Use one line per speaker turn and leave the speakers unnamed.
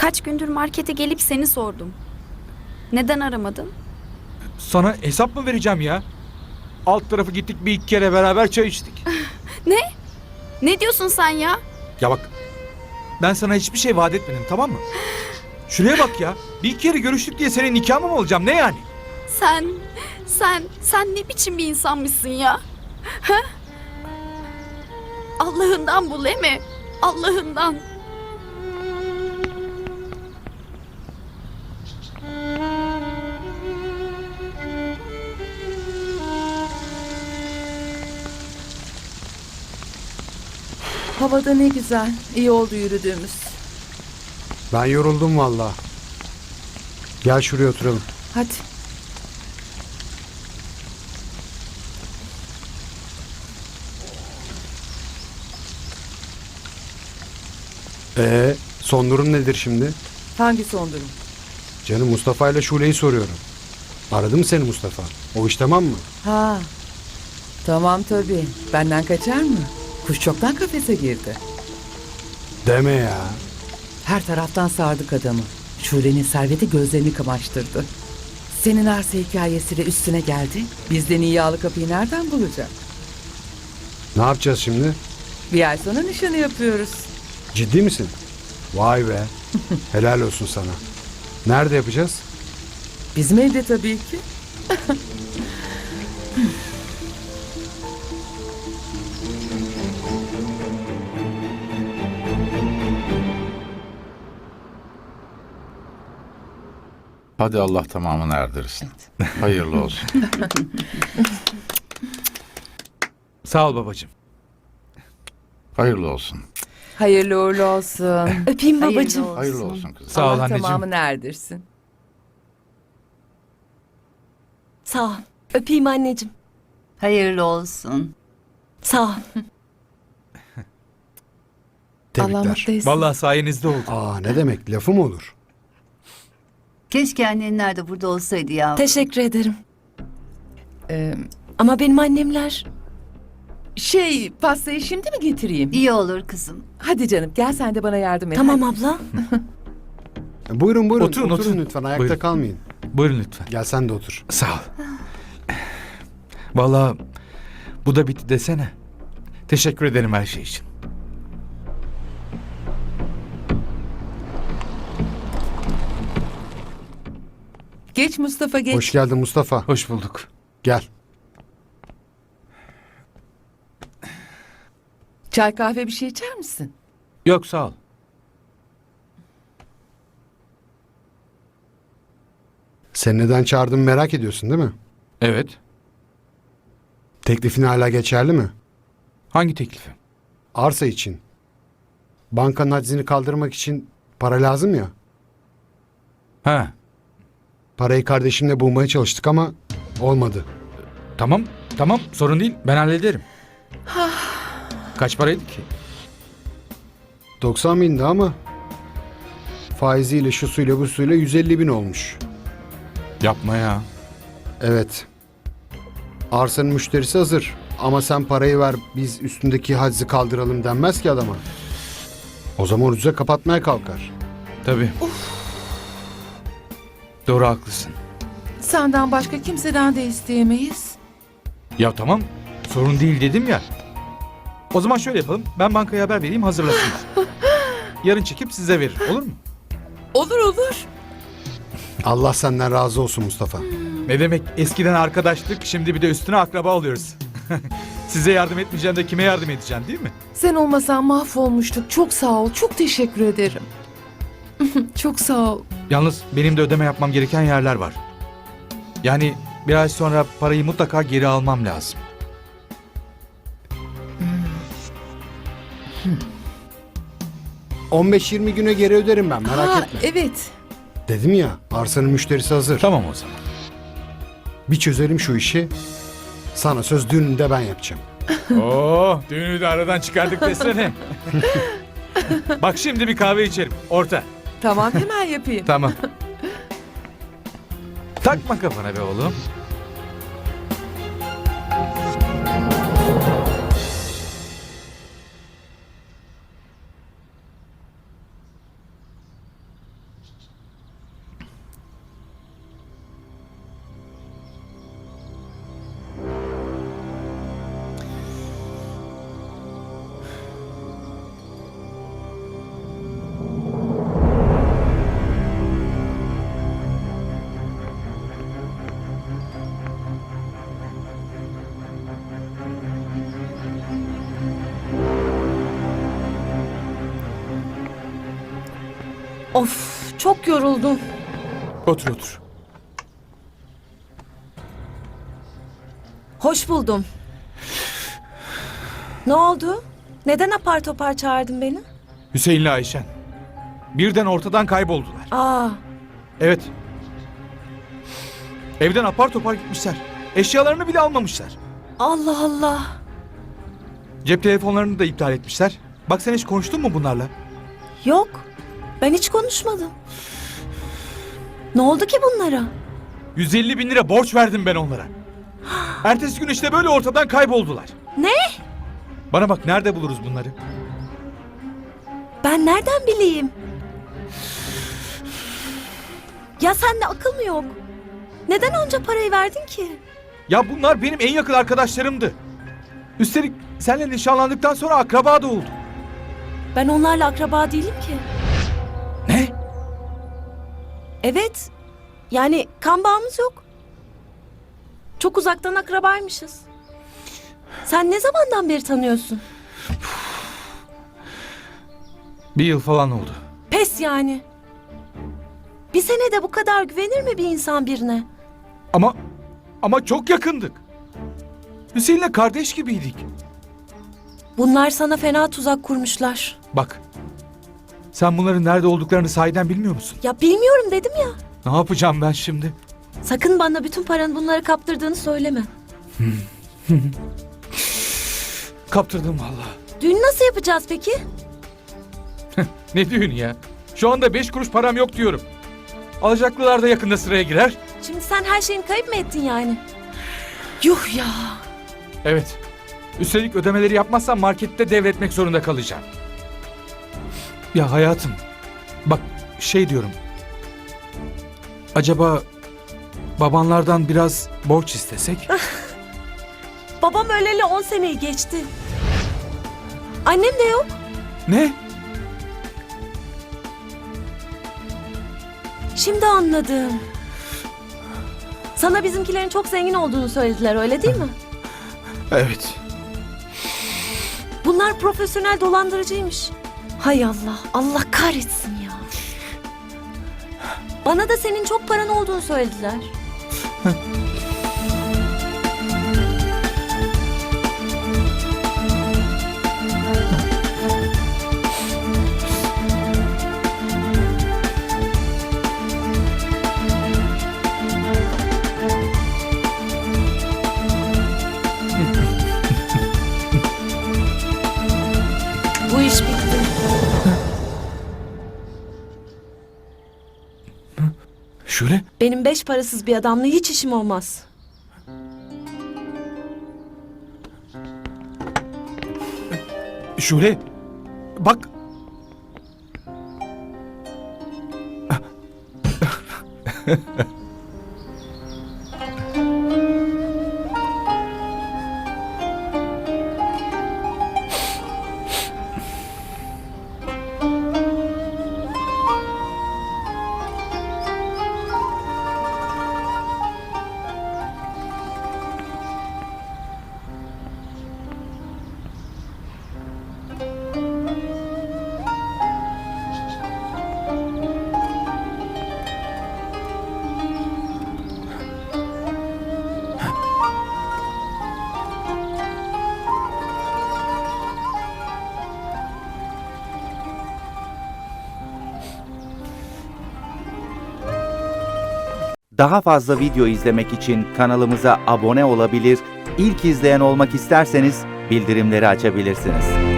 Kaç gündür markete gelip seni sordum. Neden aramadın?
Sana hesap mı vereceğim ya? Alt tarafı gittik bir iki kere beraber çay içtik.
Ne? Ne diyorsun sen ya?
Ya bak, ben sana hiçbir şey vaat etmedim, tamam mı? Şuraya bak ya. Bir iki kere görüştük diye senin nikahın mı olacağım, ne yani?
Sen ne biçim bir insanmışsın ya? Ha? Allah'ından bul, değil mi? Allah'ından.
Havada ne güzel. İyi oldu yürüdüğümüz.
Ben yoruldum valla. Gel şuraya oturalım.
Hadi.
Son durum nedir şimdi?
Hangi son durum?
Canım Mustafa ile Şule'yi soruyorum. Aradı mı seni Mustafa? O iş tamam mı?
Ha. Tamam tabii. Benden kaçar mı? Kuş çoktan kafese girdi.
Deme ya.
Her taraftan sardık adamı. Şule'nin serveti gözlerini kamaştırdı. Senin arsa hikayesiyle üstüne geldi. Bizden iyi yağlı kapıyı nereden bulacak?
Ne yapacağız şimdi?
Bir ay sonra nişanı yapıyoruz.
Ciddi misin? Vay be. Helal olsun sana. Nerede yapacağız?
Bizim evde tabii ki.
Hadi Allah tamamını erdirsin. Hayırlı olsun.
Sağ ol babacığım.
Hayırlı olsun.
Hayırlı uğurlu olsun.
Öpeyim babacığım.
Hayırlı olsun kızım.
Sağ ol
Allah
anneciğim.
tamamını erdirsin.
Sağ ol. Öpeyim anneciğim.
Hayırlı olsun.
Sağ ol.
Allah
Tebrikler.
mutlu etsin.
Vallahi sayenizde oldu.
Aa, ne demek, lafı mı olur?
Keşke annenler de burada olsaydı ya.
Teşekkür ederim.
Ee,
Ama benim annemler...
pastayı şimdi mi getireyim?
İyi olur kızım.
Hadi canım gel sen de bana yardım et.
Tamam
hadi.
abla.
Buyurun buyurun.
Oturun.
lütfen, ayakta
Buyurun.
kalmayın.
Buyurun lütfen.
Gel sen de otur.
Sağ ol. Vallahi bu da bitti desene. Teşekkür ederim her şey için.
Geç Mustafa geç.
Hoş geldin Mustafa.
Hoş bulduk.
Gel.
Çay kahve bir şey içer misin?
Yok sağ ol.
Sen neden çağırdığımı merak ediyorsun değil mi?
Evet.
Teklifin hala geçerli mi?
Hangi teklifi?
Arsa için. Bankanın haczini kaldırmak için para lazım ya.
Ha,
Parayı kardeşimle bulmaya çalıştık ama olmadı.
tamam sorun değil, ben hallederim. Kaç paraydı ki?
90 bindi ama faiziyle şu suyla bu suyla 150 bin olmuş.
Yapma ya.
Evet. Arsanın müşterisi hazır. Ama sen parayı ver biz üstündeki haczi kaldıralım denmez ki adama. O zaman ucuza kapatmaya kalkar.
Tabii. Doğru haklısın.
Senden başka kimseden de isteyemeyiz.
Ya tamam, sorun değil dedim ya. O zaman şöyle yapalım, ben bankaya haber vereyim, hazırlasınlar. Yarın çekip size verir, olur mu?
Olur olur.
Allah senden razı olsun Mustafa.
Ne demek, eskiden arkadaşlık, şimdi bir de üstüne akraba oluyoruz. Size yardım etmeyeceğim de kime yardım edeceğim, değil mi?
Sen olmasan mahvolmuştuk. Çok sağ ol. Çok teşekkür ederim. Çok sağ ol.
Yalnız benim de ödeme yapmam gereken yerler var. Yani bir ay sonra parayı mutlaka geri almam lazım.
15-20 güne geri öderim ben, merak
Ha,
etme.
evet.
Dedim ya, arsanın müşterisi hazır.
Tamam o zaman.
Bir çözelim şu işi. Sana söz, düğününü de ben yapacağım.
Oo, düğünü de aradan çıkardık desene. Bak şimdi bir kahve içerim. Orta.
Tamam hemen yapayım.
Tamam. Takma kafana be oğlum.
Of, çok yoruldum.
Otur otur.
Hoş buldum. Ne oldu? Neden apar topar çağırdın beni?
Hüseyin'le Ayşen. Birden ortadan kayboldular.
Aa,
Evet. Evden apar topar gitmişler. Eşyalarını bile almamışlar.
Allah Allah.
Cep telefonlarını da iptal etmişler. Bak sen hiç konuştun mu bunlarla?
Yok, ben hiç konuşmadım. Ne oldu ki bunlara?
150 bin lira borç verdim ben onlara. Ertesi gün işte böyle ortadan kayboldular.
Ne?
Bana bak, nerede buluruz bunları?
Ben nereden bileyim? Ya sende akıl mı yok? Neden onca parayı verdin ki?
Ya bunlar benim en yakın arkadaşlarımdı. Üstelik seninle nişanlandıktan sonra akraba da oldu.
Ben onlarla akraba değilim ki.
Ne?
Evet. Yani kan bağımız yok. Çok uzaktan akrabaymışız. Sen ne zamandan beri tanıyorsun?
Bir yıl falan oldu.
Pes yani. Bir senede bu kadar güvenir mi bir insan birine?
Ama çok yakındık. Hüseyin'le kardeş gibiydik.
Bunlar sana fena tuzak kurmuşlar.
Bak. Sen bunların nerede olduklarını sahiden bilmiyor musun?
Ya bilmiyorum dedim ya.
Ne yapacağım ben şimdi?
Sakın bana bütün paranı bunlara kaptırdığını söyleme.
Kaptırdım vallahi.
Düğünü nasıl yapacağız peki?
Ne düğünü ya? Şu anda 5 kuruş param yok diyorum. Alacaklılar da yakında sıraya girer.
Şimdi sen her şeyini kayıp mı ettin yani? Yuh ya.
Evet. Üstelik ödemeleri yapmazsam markette devretmek zorunda kalacağım. Ya hayatım. Bak şey diyorum. Acaba babanlardan biraz borç istesek?
Babam öleli 10 seneyi geçti. Annem de yok.
Ne?
Şimdi anladım. Sana bizimkilerin çok zengin olduğunu söylediler, öyle değil mi?
Evet.
Bunlar profesyonel dolandırıcıymış. Hay Allah, Allah kahretsin ya. Bana da senin çok paran olduğunu söylediler. Bu iş bitti.
Şöyle.
Benim 5 parasız bir adamla hiç işim olmaz.
Şöyle. Bak.
Daha fazla video izlemek için kanalımıza abone olabilir, ilk izleyen olmak isterseniz bildirimleri açabilirsiniz.